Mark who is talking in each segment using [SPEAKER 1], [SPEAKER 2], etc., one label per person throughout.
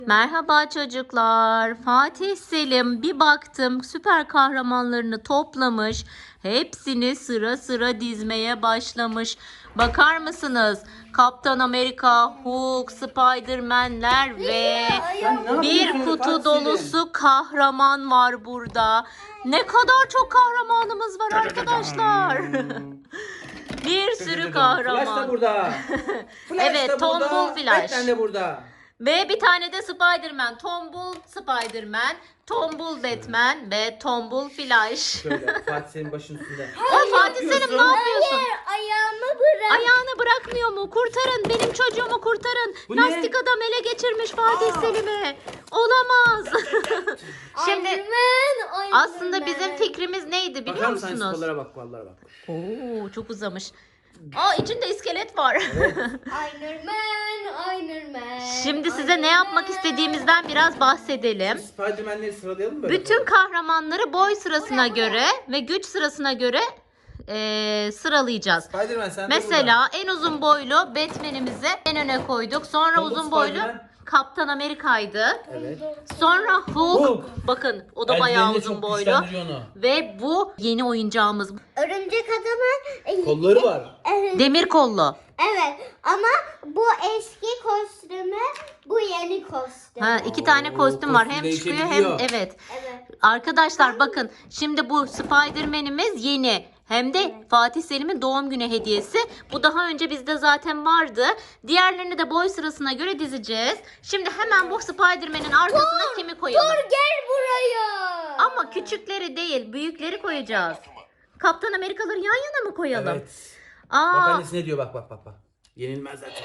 [SPEAKER 1] Merhaba çocuklar. Fatih Selim bir baktım süper kahramanlarını toplamış. Hepsini sıra sıra dizmeye başlamış. Bakar mısınız? Kaptan Amerika, Hulk, Spider-Man'ler ve bir kutu dolusu kahraman var burada. Ne kadar çok kahramanımız var arkadaşlar. Bir sürü
[SPEAKER 2] Flash da
[SPEAKER 1] kahraman.
[SPEAKER 2] burada. Flash
[SPEAKER 1] Evet,
[SPEAKER 2] da
[SPEAKER 1] Tombul
[SPEAKER 2] burada.
[SPEAKER 1] Flash.
[SPEAKER 2] Batman de burada.
[SPEAKER 1] Ve bir tane de Spider-Man. Tombul Spider-Man, Tombul Batman ve Tombul Flash.
[SPEAKER 2] Şöyle Fatih senin başın üstünde.
[SPEAKER 1] O Fatih Selim ne yapıyorsun?
[SPEAKER 3] Ayağımı bırak.
[SPEAKER 1] Ayağını bırakmıyor mu? Kurtarın, benim çocuğumu kurtarın.
[SPEAKER 2] Bu ne?
[SPEAKER 1] Lastik adam ele geçirmiş Fatih Selim'i. Olamaz. Şimdi aslında bizim fikrimiz neydi biliyor
[SPEAKER 2] Bakar mısın
[SPEAKER 1] musunuz?
[SPEAKER 2] sporlara bak, vallahi bak.
[SPEAKER 1] Oo, çok uzamış. Aa, içinde iskelet var.
[SPEAKER 3] Iron Man.
[SPEAKER 1] Şimdi size ne yapmak istediğimizden biraz bahsedelim.
[SPEAKER 2] Spider-Man'leri sıralayalım mı böyle?
[SPEAKER 1] Bütün kahramanları boy sırasına göre ve güç sırasına göre sıralayacağız.
[SPEAKER 2] Spider-Man sen de
[SPEAKER 1] Mesela en uzun boylu Batman'imizi en öne koyduk. Sonra
[SPEAKER 2] Tombul
[SPEAKER 1] uzun boylu
[SPEAKER 2] Spider-Man.
[SPEAKER 1] Kaptan Amerika'ydı.
[SPEAKER 2] burada. Evet.
[SPEAKER 1] Sonra Hulk. Bakın o da bayağı
[SPEAKER 2] Eldivenle
[SPEAKER 1] uzun
[SPEAKER 2] çok
[SPEAKER 1] boylu.
[SPEAKER 2] güçlendiriyor onu.
[SPEAKER 1] Ve bu yeni oyuncağımız.
[SPEAKER 3] Örümcek adamın
[SPEAKER 2] Kolları var.
[SPEAKER 1] Demir kollu.
[SPEAKER 3] Evet ama bu eski kostümü, bu yeni kostüm.
[SPEAKER 1] Ha, iki tane
[SPEAKER 2] Oo,
[SPEAKER 1] kostüm var.
[SPEAKER 2] kostüm
[SPEAKER 1] Hem çıkıyor hem
[SPEAKER 2] değişebiliyor.
[SPEAKER 1] evet.
[SPEAKER 3] Evet.
[SPEAKER 1] Arkadaşlar bakın şimdi bu Spider-Man'imiz yeni. Hem de Fatih Selim'in doğum günü hediyesi. Bu daha önce bizde zaten vardı. Diğerlerini de boy sırasına göre dizeceğiz. Şimdi hemen bu Spider-Man'in arkasına kimi koyalım?
[SPEAKER 3] Gel buraya.
[SPEAKER 1] Ama küçükleri değil, büyükleri koyacağız. Kaptan Amerikaları yan yana mı koyalım?
[SPEAKER 2] Evet. Bak
[SPEAKER 1] Aa,
[SPEAKER 2] annesi ne diyor, bak bak bak. Yenilmezler çok.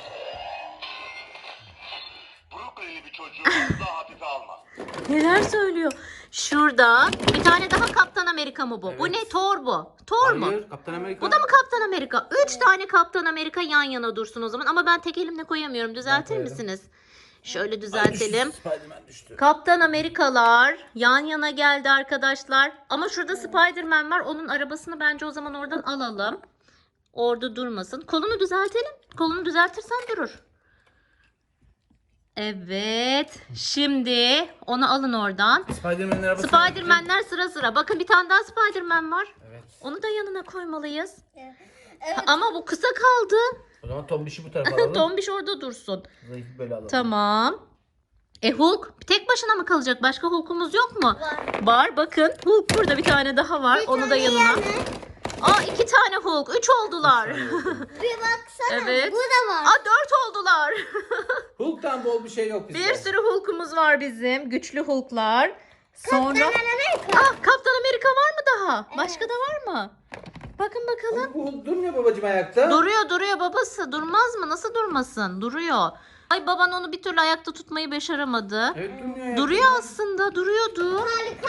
[SPEAKER 4] Brooklyn'li bir çocuğu daha hafife alma.
[SPEAKER 1] neler söylüyor? Şurada bir tane daha Kaptan Amerika mı bu? Bu
[SPEAKER 2] Evet.
[SPEAKER 1] ne? Thor bu. Thor mu?
[SPEAKER 2] Hayır, Kaptan Amerika.
[SPEAKER 1] Bu da mı Kaptan Amerika? 3 tane Kaptan Amerika yan yana dursun o zaman. Ama ben tek elimle koyamıyorum. Düzeltir
[SPEAKER 2] koyarım.
[SPEAKER 1] misiniz? Şöyle
[SPEAKER 2] Ay,
[SPEAKER 1] düzeltelim.
[SPEAKER 2] düştü, Spider-Man düştü.
[SPEAKER 1] Kaptan Amerikalar yan yana geldi arkadaşlar. Ama şurada Spider-Man var. Onun arabasını bence o zaman oradan alalım. Orada durmasın. Kolunu düzeltelim. Kolunu düzeltirsen durur. Evet. Şimdi onu alın oradan.
[SPEAKER 2] Spider-Man'in arabası.
[SPEAKER 1] Spider-Man'ler sıra sıra. Bakın bir tane daha Spider-Man var.
[SPEAKER 2] Evet.
[SPEAKER 1] Onu da yanına koymalıyız.
[SPEAKER 3] Evet.
[SPEAKER 1] Ama bu kısa kaldı.
[SPEAKER 2] O zaman Tombiş'i bu tarafa alalım.
[SPEAKER 1] Tombiş orada dursun.
[SPEAKER 2] Zayıf böyle alalım.
[SPEAKER 1] Tamam. Hulk tek başına mı kalacak? Başka Hulk'umuz yok mu?
[SPEAKER 3] Var.
[SPEAKER 1] Var bakın. Hulk burada bir tane daha var. Onu da yanına. Aa, 2 tane Hulk. 3 oldular.
[SPEAKER 3] Bir baksana.
[SPEAKER 1] Evet.
[SPEAKER 3] Bu da var.
[SPEAKER 1] Aa, 4 oldular.
[SPEAKER 2] Hulk'tan bol bir şey yok bizde.
[SPEAKER 1] Bir sürü Hulk'umuz var bizim. Güçlü Hulk'lar. Sonra
[SPEAKER 3] Amerika.
[SPEAKER 1] Kaptan Amerika var mı daha? Başka da var mı? Bakın bakalım.
[SPEAKER 2] Bu Hulk durmuyor babacığım ayakta.
[SPEAKER 1] Duruyor babası. Durmaz mı? Nasıl durmasın? Duruyor. Ay, baban onu bir türlü ayakta tutmayı başaramadı.
[SPEAKER 2] Evet, durmuyor ayakta.
[SPEAKER 1] Duruyor aslında. Duruyordu.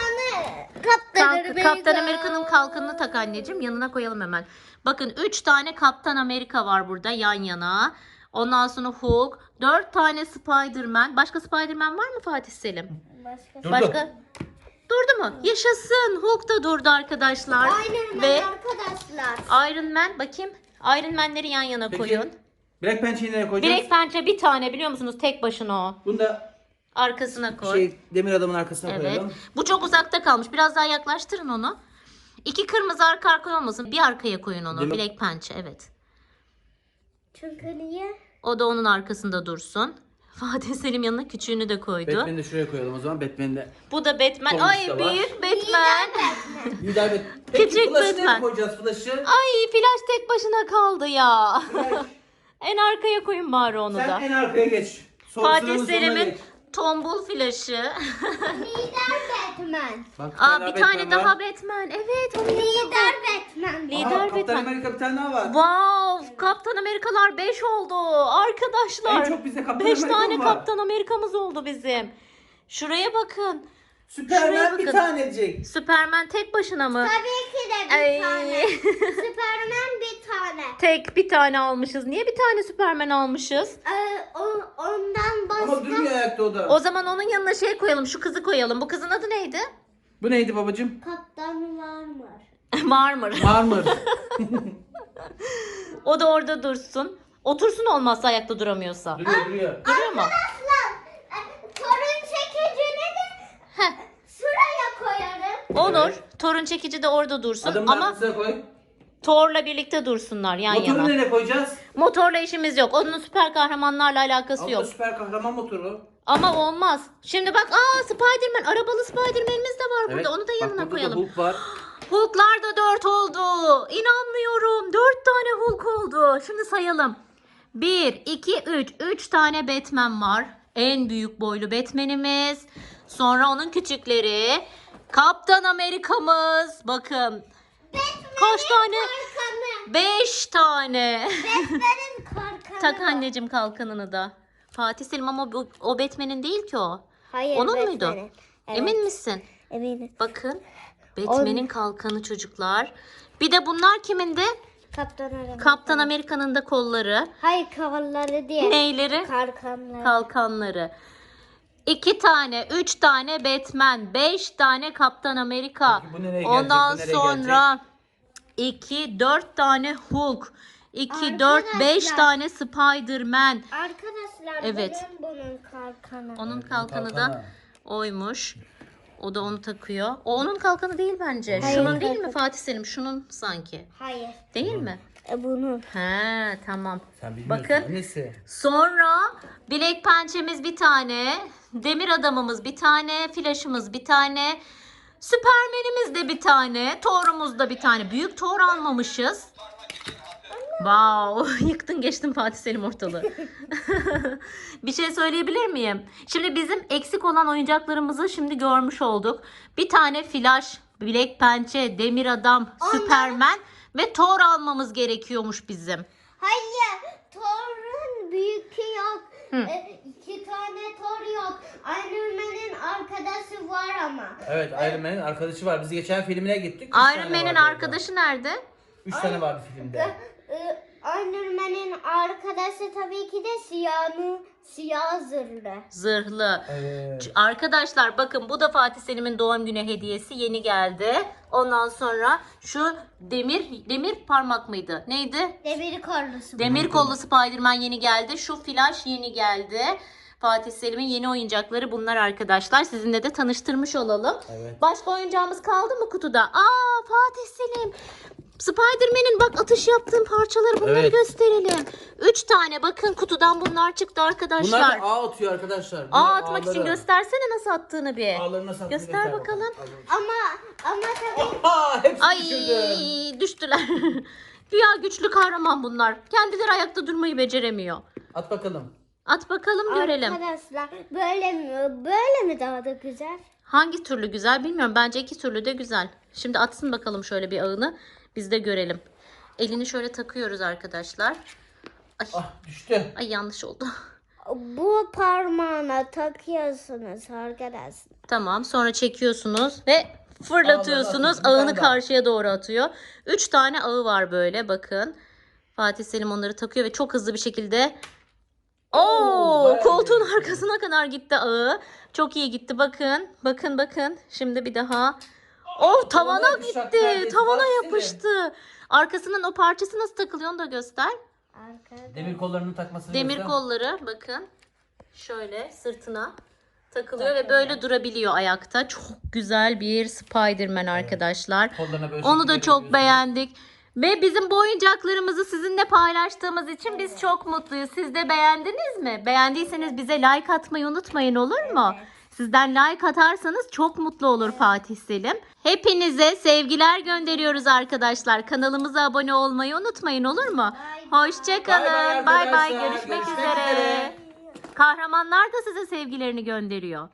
[SPEAKER 1] Kaptan Amerika'nın kalkanını tak anneciğim. Yanına koyalım hemen. Bakın 3 tane Kaptan Amerika var burada yan yana. Ondan sonra Hulk. 4 tane Spider-Man. Başka Spider-Man var mı Fatih Selim?
[SPEAKER 2] Durdu.
[SPEAKER 1] Başka? Durdu mu? Yaşasın. Hulk da durdu arkadaşlar.
[SPEAKER 3] Iron Man
[SPEAKER 1] Ve
[SPEAKER 3] arkadaşlar.
[SPEAKER 1] Iron Man, bakayım. Iron Man'leri yan yana
[SPEAKER 2] Peki,
[SPEAKER 1] koyun.
[SPEAKER 2] Black Panther'i nereye koyacağız?
[SPEAKER 1] Direkt pençe bir tane, biliyor musunuz? Tek başına o.
[SPEAKER 2] Bunu da
[SPEAKER 1] Arkasına koy.
[SPEAKER 2] demir adamın arkasına
[SPEAKER 1] Evet.
[SPEAKER 2] koyalım.
[SPEAKER 1] Bu çok uzakta kalmış. Biraz daha yaklaştırın onu. 2 kırmızı arka arkaya olmasın. Bir arkaya koyun onu.
[SPEAKER 2] Değil mi?
[SPEAKER 1] Black pençe, evet.
[SPEAKER 3] Çünkü niye?
[SPEAKER 1] O da onun arkasında dursun. Fatih Selim yanına küçüğünü de koydu.
[SPEAKER 2] Batman'i de şuraya koyalım o zaman. Batman'i de.
[SPEAKER 1] Bu da Batman.
[SPEAKER 2] Tombiş
[SPEAKER 1] Ay,
[SPEAKER 2] de var.
[SPEAKER 1] büyük Batman.
[SPEAKER 2] Lider Batman. Peki
[SPEAKER 1] Küçük
[SPEAKER 2] Flash'ı
[SPEAKER 1] Batman.
[SPEAKER 2] nereye koyacağız Flash'ı?
[SPEAKER 1] Ay, Flash tek başına kaldı ya.
[SPEAKER 2] Flash,
[SPEAKER 1] En arkaya koyun bari onu
[SPEAKER 2] sen
[SPEAKER 1] da.
[SPEAKER 2] en arkaya geç.
[SPEAKER 1] Fatih
[SPEAKER 2] Sıranın sonuna
[SPEAKER 1] Selim'in
[SPEAKER 2] geç.
[SPEAKER 1] tombul Flash'ı.
[SPEAKER 3] Lider Batman.
[SPEAKER 2] Bak,
[SPEAKER 1] Aa, bir tane
[SPEAKER 2] Batman
[SPEAKER 1] daha
[SPEAKER 2] var.
[SPEAKER 1] Batman. Evet, onun yanına
[SPEAKER 3] Lider
[SPEAKER 1] koy.
[SPEAKER 3] Batman.
[SPEAKER 1] Lider
[SPEAKER 2] Aa, Kaptan
[SPEAKER 1] Batman.
[SPEAKER 2] Amerika bir tane daha var.
[SPEAKER 1] Wow, Kaptan Amerikalar 5 oldu arkadaşlar.
[SPEAKER 2] En çok bizde Kaptan
[SPEAKER 1] 5
[SPEAKER 2] Amerika
[SPEAKER 1] tane
[SPEAKER 2] var.
[SPEAKER 1] Kaptan Amerikamız oldu bizim. Şuraya bakın. Şuraya
[SPEAKER 2] Süperman bir
[SPEAKER 1] bakın.
[SPEAKER 2] tanecik.
[SPEAKER 1] Süperman tek başına mı?
[SPEAKER 3] Tabii ki de
[SPEAKER 1] Ay.
[SPEAKER 3] bir tane. Superman bir tane.
[SPEAKER 1] Tek bir tane almışız. Niye bir tane Süperman almışız?
[SPEAKER 3] Ondan başka.
[SPEAKER 2] Ama durmuyor ayakta o da.
[SPEAKER 1] O zaman onun yanına şey koyalım. Şu kızı koyalım. Bu kızın adı neydi?
[SPEAKER 2] Bu neydi babacığım?
[SPEAKER 3] Kaptan var mı?
[SPEAKER 1] Marmır.
[SPEAKER 2] Marmır.
[SPEAKER 1] O da orada dursun. Otursun olmazsa ayakta duramıyorsa.
[SPEAKER 2] duruyor.
[SPEAKER 1] Duruyor mu?
[SPEAKER 3] torun çekicini de
[SPEAKER 1] Heh,
[SPEAKER 3] şuraya koyarım.
[SPEAKER 1] olur.
[SPEAKER 2] Evet.
[SPEAKER 1] Torun çekici de orada dursun
[SPEAKER 2] Adımın
[SPEAKER 1] ama
[SPEAKER 2] arkasına koy.
[SPEAKER 1] Thor'la birlikte dursunlar yan
[SPEAKER 2] Motoru
[SPEAKER 1] yana.
[SPEAKER 2] nereye koyacağız?
[SPEAKER 1] Motorla işimiz yok. Onun süper kahramanlarla alakası
[SPEAKER 2] Abla
[SPEAKER 1] yok.
[SPEAKER 2] süper kahraman motoru.
[SPEAKER 1] Ama olmaz. Şimdi bak Spider-Man, arabalı Spider-Man'imiz de var burada. Onu da
[SPEAKER 2] Bak,
[SPEAKER 1] yanına
[SPEAKER 2] burada da
[SPEAKER 1] koyalım.
[SPEAKER 2] Hulk var.
[SPEAKER 1] Hulk'lar da 4 oldu. İnanmıyorum. 4 tane Hulk oldu. Şimdi sayalım. 1, 2, 3. 3 tane Batman var. En büyük boylu Batman'imiz. Sonra onun küçükleri. Kaptan Amerika'mız. Bakın. Kaç tane?
[SPEAKER 3] Kalkanı.
[SPEAKER 1] 5 tane.
[SPEAKER 3] Batman'in kalkanı.
[SPEAKER 1] Tak anneciğim kalkanını da. Fatih Selim ama o Batman'in değil ki o.
[SPEAKER 3] Hayır,
[SPEAKER 1] Onun muydu?
[SPEAKER 3] Batman'in. Evet.
[SPEAKER 1] Emin misin?
[SPEAKER 3] Eminim.
[SPEAKER 1] Bakın. Batman'in kalkanı çocuklar. Bir de bunlar kimindi?
[SPEAKER 3] Kaptan Amerika.
[SPEAKER 1] Kaptan Amerika'nın da kolları.
[SPEAKER 3] Hayır, kavalları diye.
[SPEAKER 1] Neyleri?
[SPEAKER 3] Kalkanları.
[SPEAKER 1] Kalkanları. 2 tane, 3 tane Batman, 5 tane Kaptan Amerika.
[SPEAKER 2] Peki bu nereye gelecek,
[SPEAKER 1] Ondan
[SPEAKER 2] bu nereye
[SPEAKER 1] sonra 2, 4 tane Hulk. 2, 4, 5
[SPEAKER 3] Arkadaşlar.
[SPEAKER 1] tane Spider-Man.
[SPEAKER 3] Arkadaşlar
[SPEAKER 1] Evet.
[SPEAKER 3] bunun kalkanı.
[SPEAKER 1] Onun
[SPEAKER 2] Evet,
[SPEAKER 1] kalkanı da
[SPEAKER 2] kalkanı.
[SPEAKER 1] oymuş. O da onu takıyor. O onun kalkanı değil bence.
[SPEAKER 3] Hayır,
[SPEAKER 1] Şunun değil mi
[SPEAKER 3] kalkan.
[SPEAKER 1] Fatih Selim? Şunun sanki.
[SPEAKER 3] Hayır.
[SPEAKER 1] Değil mi?
[SPEAKER 3] Bunun.
[SPEAKER 1] He tamam.
[SPEAKER 2] Sen bilmiyorsun.
[SPEAKER 1] Bakın.
[SPEAKER 2] Annesi.
[SPEAKER 1] Sonra bilek pençemiz bir tane. Demir adamımız bir tane. Flash'ımız bir tane. Süpermenimiz de bir tane. Thor'umuz da bir tane. Büyük Thor almamışız. Wow, yıktın geçtin Fatih Selim ortalığı. Bir şey söyleyebilir miyim? Şimdi bizim eksik olan oyuncaklarımızı şimdi görmüş olduk. Bir tane Flash, bilek pençe, demir adam, Süpermen ve Thor almamız gerekiyormuş bizim.
[SPEAKER 3] Hayır. Thor'un büyükü yok.
[SPEAKER 1] Hı.
[SPEAKER 3] 2 tane Thor yok. Iron Man'in arkadaşı var ama.
[SPEAKER 2] Evet, Iron Man'in arkadaşı var. Biz geçen filmine gittik.
[SPEAKER 1] Iron Man'in arkadaşı nerede?
[SPEAKER 2] 3 tane vardı filmde.
[SPEAKER 3] Iron Man'in arkadaşı tabii ki de siyah zırhlı.
[SPEAKER 1] Zırhlı.
[SPEAKER 2] Evet.
[SPEAKER 1] Arkadaşlar bakın bu da Fatih Selim'in doğum günü hediyesi yeni geldi. Ondan sonra şu demir parmak mıydı? Neydi?
[SPEAKER 3] Demir kollusu.
[SPEAKER 1] Demir kollu Spider-Man yeni geldi. Şu Flash yeni geldi. Fatih Selim'in yeni oyuncakları bunlar arkadaşlar. Sizinle de tanıştırmış olalım.
[SPEAKER 2] Evet.
[SPEAKER 1] Başka oyuncağımız kaldı mı kutuda? Fatih Selim. Spider-Man'in bak atış yaptığım parçaları bunları
[SPEAKER 2] Evet.
[SPEAKER 1] gösterelim. 3 tane bakın kutudan bunlar çıktı arkadaşlar.
[SPEAKER 2] Bunlar da ağ atıyor arkadaşlar.
[SPEAKER 1] Ağ
[SPEAKER 2] Bunlar
[SPEAKER 1] atmak için
[SPEAKER 2] ağları.
[SPEAKER 1] göstersene nasıl attığını bir.
[SPEAKER 2] Ağlarını nasıl attığını
[SPEAKER 1] Göster bakalım.
[SPEAKER 3] Ama tabii
[SPEAKER 2] Aa, hepsini
[SPEAKER 1] Ay
[SPEAKER 2] düşürdüm.
[SPEAKER 1] düştüler. Güya güçlü kahraman bunlar. Kendileri ayakta durmayı beceremiyor.
[SPEAKER 2] At bakalım.
[SPEAKER 1] At bakalım görelim.
[SPEAKER 3] arkadaşlar böyle mi daha da güzel?
[SPEAKER 1] Hangi türlü güzel bilmiyorum. Bence iki türlü de güzel. Şimdi atsın bakalım şöyle bir ağını. Biz de görelim. Elini şöyle takıyoruz arkadaşlar.
[SPEAKER 2] Ah, düştü.
[SPEAKER 1] Ay yanlış oldu.
[SPEAKER 3] Bu parmağına takıyorsunuz arkadaşlar.
[SPEAKER 1] Tamam sonra çekiyorsunuz ve fırlatıyorsunuz.
[SPEAKER 2] Allah, Allah, bir
[SPEAKER 1] Ağını
[SPEAKER 2] tane daha.
[SPEAKER 1] karşıya doğru atıyor. 3 tane ağı var böyle bakın. Fatih Selim onları takıyor ve çok hızlı bir şekilde
[SPEAKER 2] bayağı
[SPEAKER 1] koltuğun
[SPEAKER 2] iyi.
[SPEAKER 1] arkasına kadar gitti ağı. Çok iyi gitti bakın. Bakın. Şimdi bir daha. Tavana
[SPEAKER 2] Tavana yapışacak
[SPEAKER 1] gitti.
[SPEAKER 2] neredeyse.
[SPEAKER 1] Tavana
[SPEAKER 2] Fatih Selim.
[SPEAKER 1] yapıştı. Arkasının o parçası nasıl takılıyor onu da göster.
[SPEAKER 3] Arkada.
[SPEAKER 2] Demir kollarını takmasını
[SPEAKER 1] Demir
[SPEAKER 2] göster.
[SPEAKER 1] kolları bakın. Şöyle sırtına takılıyor ve böyle durabiliyor ayakta. Çok güzel bir Spider-Man arkadaşlar.
[SPEAKER 2] Kollarına böyle
[SPEAKER 1] Onu da
[SPEAKER 2] şekiller
[SPEAKER 1] çok
[SPEAKER 2] yapıyorsun.
[SPEAKER 1] beğendik. Ve bizim bu oyuncaklarımızı sizinle paylaştığımız için biz çok mutluyuz. Siz de beğendiniz mi? Beğendiyseniz bize like atmayı unutmayın olur mu? Sizden like atarsanız çok mutlu olur Fatih Selim. Hepinize sevgiler gönderiyoruz arkadaşlar. Kanalımıza abone olmayı unutmayın olur mu? Hoşçakalın.
[SPEAKER 2] Bay bay
[SPEAKER 1] Bay bay.
[SPEAKER 2] arkadaşlar.
[SPEAKER 1] Görüşmek
[SPEAKER 2] Görüşmek
[SPEAKER 1] üzere.
[SPEAKER 2] üzere.
[SPEAKER 1] Kahramanlar da size sevgilerini gönderiyor.